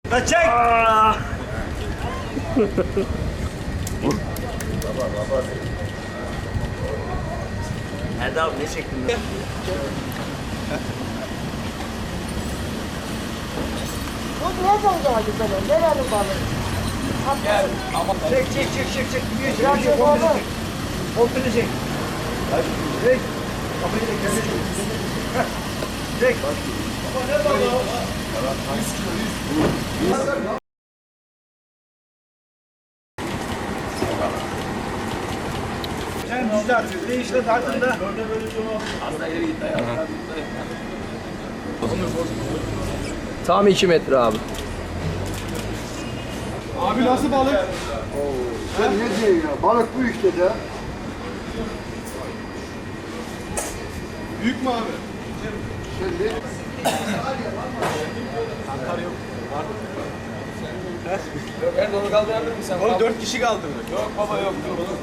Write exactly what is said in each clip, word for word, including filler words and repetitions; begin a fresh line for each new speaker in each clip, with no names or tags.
La çek! Erdal ne çektin lan?
Bu ne zaman güzel? Nerenin balığı?
Gel. Çek çek çek çek çek. Gidiyor çek.
Ya
Çek
çek
komple
oğlum.
çek. Komple çek. Hadi çek. Kafayı da kendine çek. Heh. Çek. Baba ne balığı? yüz kilo yüz. Sen bizde atıyor. Değişle tartında. Az da ileri git ya.
Tam iki metre abi.
Abi nasıl balık?
Sen ne diyorsun ya? Balık bu işte de.
Büyük mü abi?
Şimdi
Erdal'ı kaldırabilir misin?
Oğlum dört kişi kaldı mı? Yok baba yok.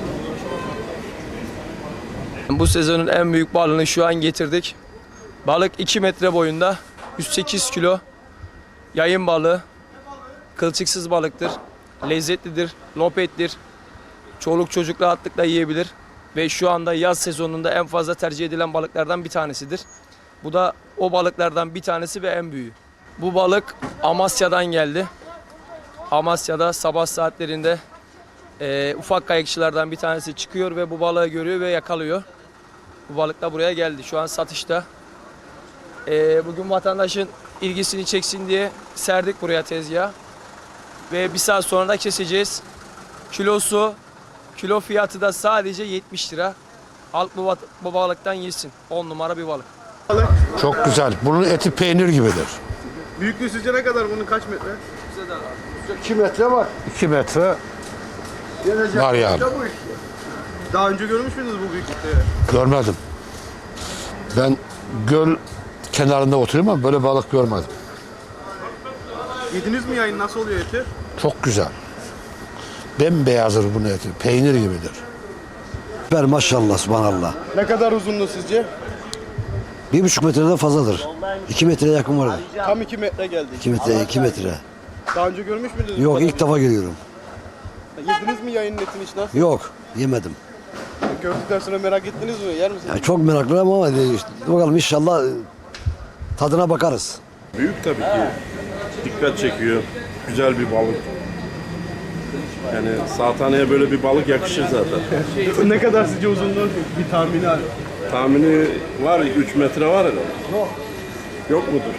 Bu sezonun en büyük balığını şu an getirdik. Balık iki metre boyunda, yüz sekiz kilo. Yayın balığı. Kılçıksız balıktır. Lezzetlidir, lopettir. Çoluk çocuk rahatlıkla yiyebilir. Ve şu anda yaz sezonunda en fazla tercih edilen balıklardan bir tanesidir. Bu da o balıklardan bir tanesi ve en büyüğü. Bu balık Amasya'dan geldi. Amasya'da sabah saatlerinde e, ufak kayıkçılardan bir tanesi çıkıyor ve bu balığı görüyor ve yakalıyor. Bu balık da buraya geldi. Şu an satışta. E, bugün vatandaşın ilgisini çeksin diye serdik buraya tezgaha. Ve bir saat sonra da keseceğiz. Kilosu, kilo fiyatı da sadece yetmiş lira. Halk bu, bu balıktan yesin. on numara bir balık.
Çok güzel. Bunun eti peynir gibidir.
Büyüklüğü sizce ne kadar bunun kaç metre?
iki metre var.
iki metre
Gelecek
var yani.
bu işte.
Daha önce görmüş müydünüz bu büyüklükte?
Görmedim. Ben göl kenarında oturuyorum ama böyle balık görmedim.
Yediniz mi yayın? Nasıl oluyor eti?
Çok güzel. Bembeyazdır bunun eti. Peynir gibidir.
Süper maşallah subhanallah.
Ne kadar uzunluğu sizce?
Bir buçuk metreden fazladır. İki metreye yakın vardır.
Tam iki metre geldi.
İki metre, iki metre.
Daha önce görmüş müydünüz?
Yok
bu
ilk
balığı?
defa görüyorum.
Yediniz mi yayının etini hiç nasıl?
Yok yemedim.
Gördükten sonra merak ettiniz mi? Yer misiniz?
Yani çok meraklıyım ama işte, bakalım inşallah e, tadına bakarız.
Büyük tabii ki. Dikkat çekiyor. Güzel bir balık. Yani sataneye böyle bir balık yakışır zaten.
Ne kadar sizce uzunluğu? Bir tahmini abi.
Tahmini var, üç metre var herhalde. Yok. Yok mudur?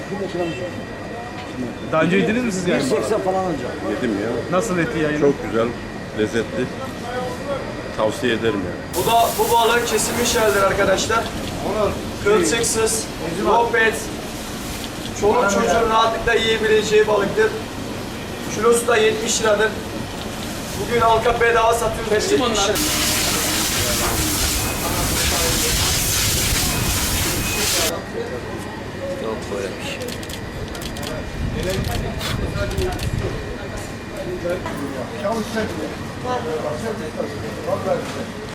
Daha önce yediniz mi siz yayın?
seksen falan ancak.
Yedim ya.
Nasıl eti yayın?
Çok güzel, lezzetli. Tavsiye ederim yani.
Bu da bu balığın kesilmiş halidir arkadaşlar. Kılçıksız, lopet, çoluk çocuğun rahatlıkla yiyebileceği balıktır. Kilosu da yetmiş liradır. Bugün halka bedava satıyoruz. Teslim onlar.
Yok böylemiş.
Çavuş sen.